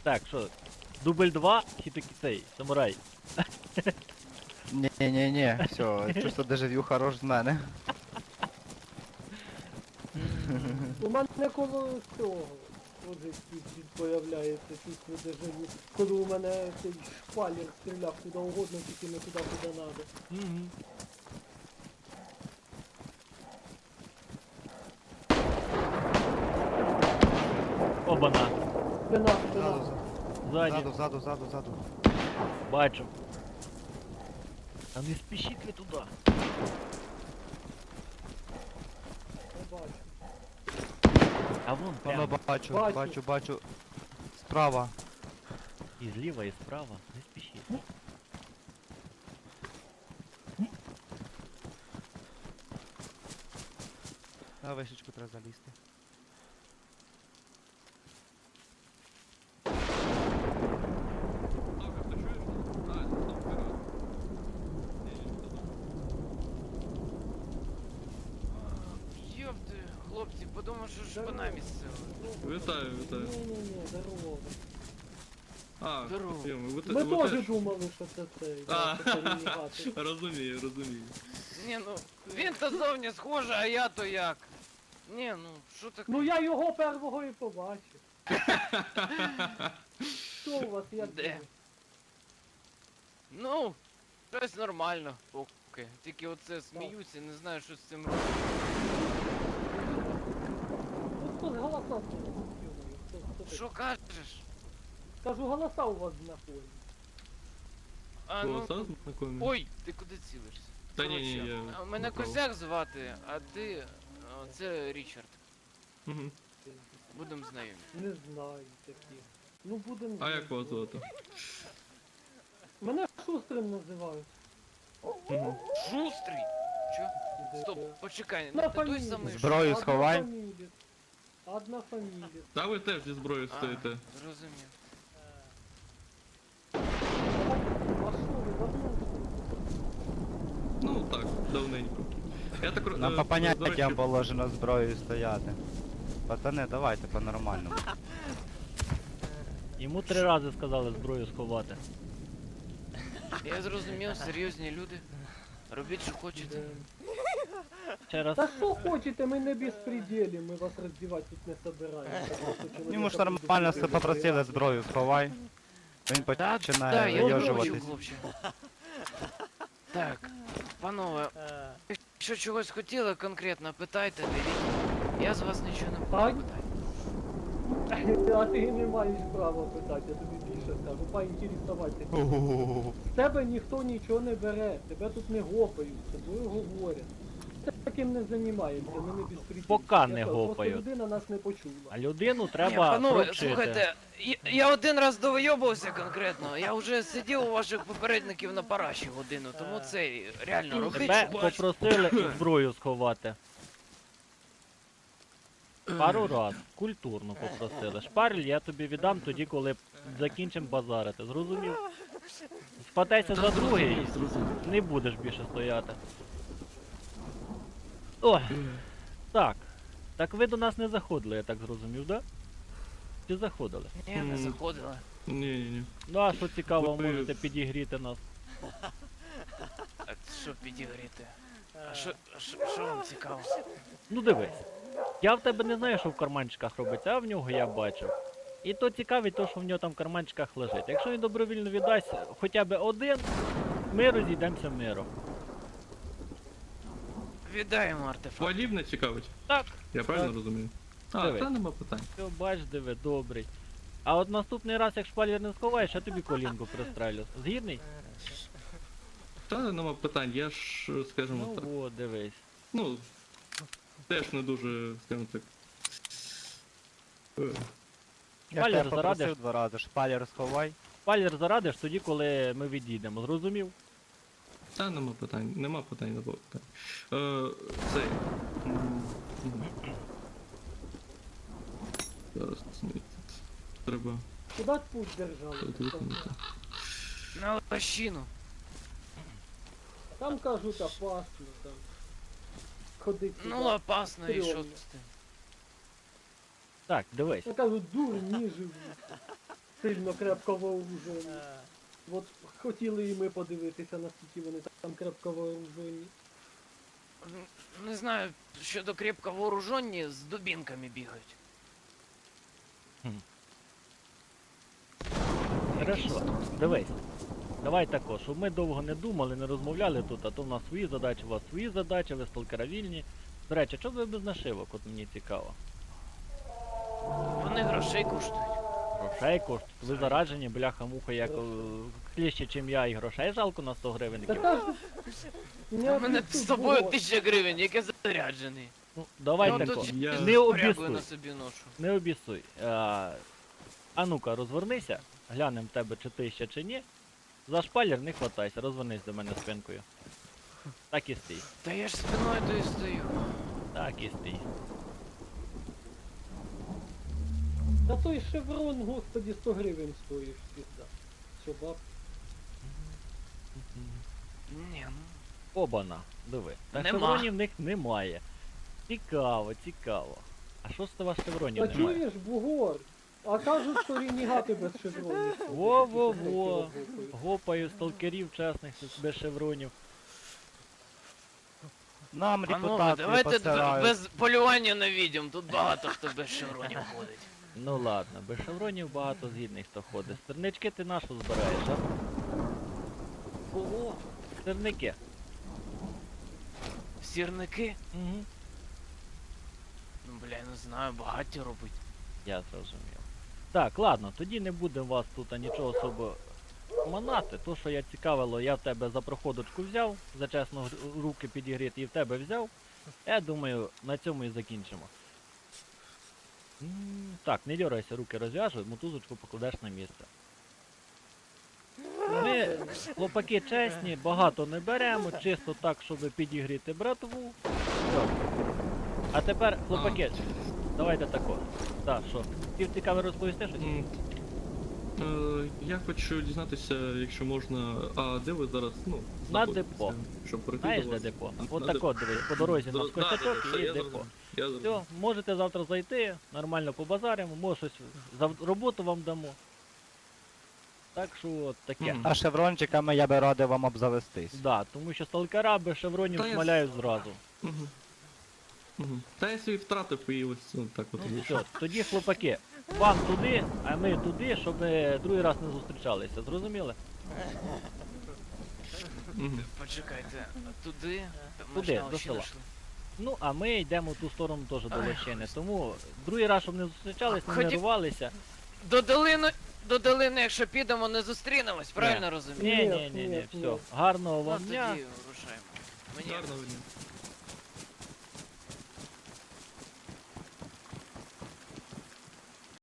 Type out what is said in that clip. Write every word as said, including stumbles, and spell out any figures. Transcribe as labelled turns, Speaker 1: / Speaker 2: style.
Speaker 1: Так, що, дубль два, чи таки цей, самурай?
Speaker 2: Ні-ні-ні, все, чувство дежавю хорош з мене.
Speaker 3: У мене коло цього вже чуть появляється чувство дежавю. Коли у мене цей шпалер стріляв куди угодно, тільки не туди, куди треба.
Speaker 1: Угу. Обана,
Speaker 3: Спина, спина.
Speaker 2: Ззаду,
Speaker 1: ззаді,
Speaker 2: ззаду, ззаду, ззаду, ззаду.
Speaker 1: бачу. А не спішіть ви туди.
Speaker 3: Не бачу.
Speaker 1: А вон
Speaker 2: Воно
Speaker 1: прямо.
Speaker 2: бачу,
Speaker 3: Бачу.
Speaker 2: бачу, бачу. Справа.
Speaker 1: І зліва, і справа. Не спішіть.
Speaker 2: На вишечку треба залізти.
Speaker 4: Йопти, хлопці, подумав, що шпана місцева.
Speaker 5: Вітаю, вітаю.
Speaker 3: Ні-ні-ні, здорово.
Speaker 5: А,
Speaker 4: Здорово.
Speaker 5: Йому, ви, те-
Speaker 3: Ми
Speaker 5: ви
Speaker 3: теж
Speaker 5: теж?
Speaker 3: думали, що це цей.
Speaker 5: А,
Speaker 3: да, що це ренегати.
Speaker 5: розумію, розумію.
Speaker 4: Ні, ну, він то зовні схожий, а я то як. Ні, ну, що таке?
Speaker 3: Ну я його первого і побачив. Що у вас як?
Speaker 4: Де?
Speaker 3: було?
Speaker 4: Ну, щось нормально, поки. Тільки оце сміються, не знаю, що з цим робити.
Speaker 3: Ну хто з голоса слухає? Хто- хто таке?
Speaker 4: Що кажеш?
Speaker 3: Кажу, голоса у вас знаходять.
Speaker 4: А, ну,
Speaker 5: Голоса знакомі?
Speaker 4: ой, ти куди цілишся?
Speaker 5: Та ні, ні,
Speaker 4: Коротше,
Speaker 5: я
Speaker 4: а мене
Speaker 5: направо.
Speaker 4: Косяк звати, а ти, а, це Річард.
Speaker 5: Мгм.
Speaker 4: Будемо знайомі.
Speaker 3: Не знаю таких. Ну будемо.
Speaker 5: А як вас звати?
Speaker 3: Мене шустрим називають.
Speaker 5: Мгм.
Speaker 4: Шустрий! Чо?
Speaker 3: Де-
Speaker 4: Стоп, почекай,
Speaker 3: На
Speaker 4: ну ти той
Speaker 3: фамілію.
Speaker 4: самий.
Speaker 2: Зброю
Speaker 3: Одна
Speaker 2: сховай.
Speaker 3: фамілія. Одна фамілія.
Speaker 5: Та ви теж зі зброєю
Speaker 4: А,
Speaker 5: стоїте.
Speaker 4: зрозумів.
Speaker 3: А що ви давно?
Speaker 5: Ну так, давненько. Я так ро-
Speaker 2: Нам
Speaker 5: е,
Speaker 2: по
Speaker 5: до
Speaker 2: поняттям
Speaker 5: речі,
Speaker 2: положено зброєю стояти. Пацани, давайте по-нормальному.
Speaker 1: Йому три рази сказали зброю сховати.
Speaker 4: Я зрозумів, серйозні люди. Робіть, що хочете.
Speaker 1: Ще раз.
Speaker 3: Та що хочете, ми не безпреділі, ми вас роздівати тут не собираємося.
Speaker 2: Йому ж нормально все попросили зброю сховай. Він
Speaker 4: Да,
Speaker 2: починає
Speaker 4: да, я не хочу,
Speaker 2: вийожуватись.
Speaker 4: хлопче. Так, панове, якщо чогось хотіли конкретно, питайте, дивіть. Я з вас нічого не буду
Speaker 3: Ай.
Speaker 4: питати.
Speaker 3: А ти не маєш права питати, я тобі більше скажу, поінтересуватися. З тебе ніхто нічого не бере, тебе тут не гопають, з тобою говорять. Таким не займаємося, ми не безпреділі.
Speaker 1: Пока не
Speaker 3: Я кажу,
Speaker 1: гопають.
Speaker 3: Просто людина нас не почула.
Speaker 1: А людину
Speaker 4: Ні,
Speaker 1: треба
Speaker 4: панове,
Speaker 1: провчити.
Speaker 4: слухайте, я, я один раз довийобувався конкретно. Я вже сидів у ваших попередників на параші годину, тому це реально робіть,
Speaker 1: Тебе
Speaker 4: що бачите.
Speaker 1: попросили зброю сховати. Пару раз. Культурно попросили. Шпарль я тобі віддам тоді, коли закінчимо базарити. Зрозумів? Спатайся за другий, не будеш більше стояти. Ой. Так. Так ви до нас не заходили, я так зрозумів, да? Чи заходили?
Speaker 4: Ні, не заходила.
Speaker 5: Ні, ні, ні.
Speaker 1: Ну а що цікаво,
Speaker 5: Ви-
Speaker 1: можете підігріти нас.
Speaker 4: А що підігріти? А що, а що, що вам цікаво?
Speaker 1: Ну дивись. Я в тебе не знаю, що в карманчиках робиться, а в нього я бачив. І то цікавить то, що в нього там в карманчиках лежить. Якщо він добровільно віддасть хоча б один, ми розійдемося миром.
Speaker 4: Віддаємо артефакт.
Speaker 5: Подібне цікавить.
Speaker 1: Так,
Speaker 5: Я правильно
Speaker 1: Так.
Speaker 5: розумію? А,
Speaker 1: Дивись.
Speaker 5: та нема питань.
Speaker 1: все, бач, диви, добрий. А от наступний раз, як шпалер не сховаєш, я тобі колінку пристрелю. Згідний?
Speaker 5: Та нема питань, я ж, скажімо так.
Speaker 1: Ну от, дивись.
Speaker 5: Ну, теж не дуже, скажімо так. е,
Speaker 2: Я ж
Speaker 1: Шпалер
Speaker 2: тебе
Speaker 1: зарадиш?
Speaker 2: попросив два рази, шпалер сховай.
Speaker 1: Шпалер зарадиш тоді, коли ми відійдемо. Зрозумів?
Speaker 5: Та нема питань, нема питань, нема питань. Е, цей. м, м. Зараз мені тут треба
Speaker 3: Куди путь держали?
Speaker 5: тут виконати.
Speaker 4: На лощину.
Speaker 3: Там кажуть опасно, там. Ходить
Speaker 4: Ну,
Speaker 3: туди.
Speaker 4: опасно, і що
Speaker 3: стрьомно.
Speaker 4: з тим?
Speaker 1: Так, дивись.
Speaker 3: Я кажу, дурні живуть. сильно крепко вооружені. От хотіли і ми подивитися, наскільки вони там крепко вооружені.
Speaker 4: Н- Не знаю, щодо крепко вооружені, з дубінками бігають.
Speaker 1: Хорошо, дивись. Давай тако, щоб ми довго не думали, не розмовляли тут, а то в нас свої задачі, у вас свої задачі, ви сталкера вільні. До речі, що ви без нашивок, от мені цікаво.
Speaker 4: Вони грошей коштують.
Speaker 1: Грошей коштують. Ви заражені, бляха-муха, як е, кліще, чим я, і грошей жалко на сто гривень.
Speaker 3: Та
Speaker 1: які-
Speaker 3: та ж...
Speaker 4: У мене з тобою тисяча гривень, яке заряджений.
Speaker 1: Ну, давай
Speaker 4: Я
Speaker 1: тако.
Speaker 4: тут
Speaker 5: Я-
Speaker 1: Не
Speaker 4: спорягую
Speaker 1: обісуй.
Speaker 4: на собі ношу.
Speaker 1: Не обісуй. А, а ну-ка, розвернися, глянем в тебе, чи ти ще чи ні. За шпалер не хватайся, розвернись до мене спинкою. Так і стій.
Speaker 4: Та я ж спиною то і стою.
Speaker 1: Так і стій.
Speaker 3: Та той шеврон, господі, сто гривень стоїш, пізда. Що баб?
Speaker 4: Ні, ну.
Speaker 1: Обана, диви. Та
Speaker 4: Нема.
Speaker 1: шевронів в них немає. Цікаво, цікаво. А що з того шевронів
Speaker 3: Та
Speaker 1: немає?
Speaker 3: чуєш, бугор? А кажуть, що ренігати без шевронів. ходять.
Speaker 1: Во-во-во.
Speaker 3: Такі гопають.
Speaker 1: Гопаю сталкерів чесних без шевронів.
Speaker 2: Нам
Speaker 4: Панове,
Speaker 2: репутацію
Speaker 4: давайте
Speaker 2: посирають.
Speaker 4: без полювання на відьом, тут багато хто без шевронів ходить.
Speaker 1: Ну ладно, без шевронів багато згідних хто ходить. Стернички ти нашу збираєш, а?
Speaker 4: Кого?
Speaker 1: Стерники.
Speaker 4: Сірники?
Speaker 1: Угу.
Speaker 4: Ну бля, я не знаю, багаті робить.
Speaker 1: Я зрозумів. Так, ладно, тоді не будемо вас тут а, нічого особо манати. То, що я цікавило, я в тебе за проходочку взяв, за чесно г- руки підігріти і в тебе взяв. Я думаю, на цьому і закінчимо. М, Так, не дьорайся, руки розв'яжу, мотузочку покладеш на місце. Ми, хлопаки чесні, багато не беремо, чисто так, щоб підігріти братву. Все. А тепер, хлопаки, давайте тако. Так, що? Хотів цікаво розповісти щось?
Speaker 5: М, е, Я хочу дізнатися, якщо можна, а де ви зараз, ну,
Speaker 1: На
Speaker 5: знаходитеся,
Speaker 1: депо.
Speaker 5: Щоб прийти
Speaker 1: Знаєш,
Speaker 5: до
Speaker 1: де
Speaker 5: вас?
Speaker 1: депо?
Speaker 5: На-
Speaker 1: От
Speaker 5: на
Speaker 1: тако, дивись, по дорозі на
Speaker 5: Зро- да, да, да,
Speaker 1: скотячок
Speaker 5: все,
Speaker 1: і
Speaker 5: я
Speaker 1: депо.
Speaker 5: зрозумів, Я
Speaker 1: Все,
Speaker 5: зрозумів.
Speaker 1: можете завтра зайти, нормально побазаримо, може щось за роботу вам дамо. Так що от таке.
Speaker 5: Мгм.
Speaker 2: А шеврончиками я би радив вам обзавестись.
Speaker 1: Да, тому що сталкера без шевронів
Speaker 5: Та я
Speaker 1: шмаляють зразу.
Speaker 5: Мгм. Мгм. Та я свій втратив і ось ну, так от
Speaker 1: Ну
Speaker 5: вийшло.
Speaker 1: все, тоді хлопаки, вам туди, а ми туди, щоб ми другий раз не зустрічалися, зрозуміли?
Speaker 5: Мгм.
Speaker 4: Почекайте, а туди? Там
Speaker 1: Туди,
Speaker 4: ми ж на
Speaker 1: до
Speaker 4: ощі
Speaker 1: села.
Speaker 4: знайшли.
Speaker 1: Ну, а ми йдемо в ту сторону теж до лощини. Тому другий раз, щоб не зустрічались, не
Speaker 4: Ході-
Speaker 1: нервувалися.
Speaker 4: До долини, до долини, якщо підемо, не зустрінемось, правильно розумію?
Speaker 1: Ні,
Speaker 3: Ні,
Speaker 1: ні, ні, ні,
Speaker 3: ні,
Speaker 1: все.
Speaker 3: ні.
Speaker 1: Гарного
Speaker 4: Ну
Speaker 1: вам
Speaker 4: тоді
Speaker 1: дня.
Speaker 4: рушаємо. Мені
Speaker 5: Гарного дня.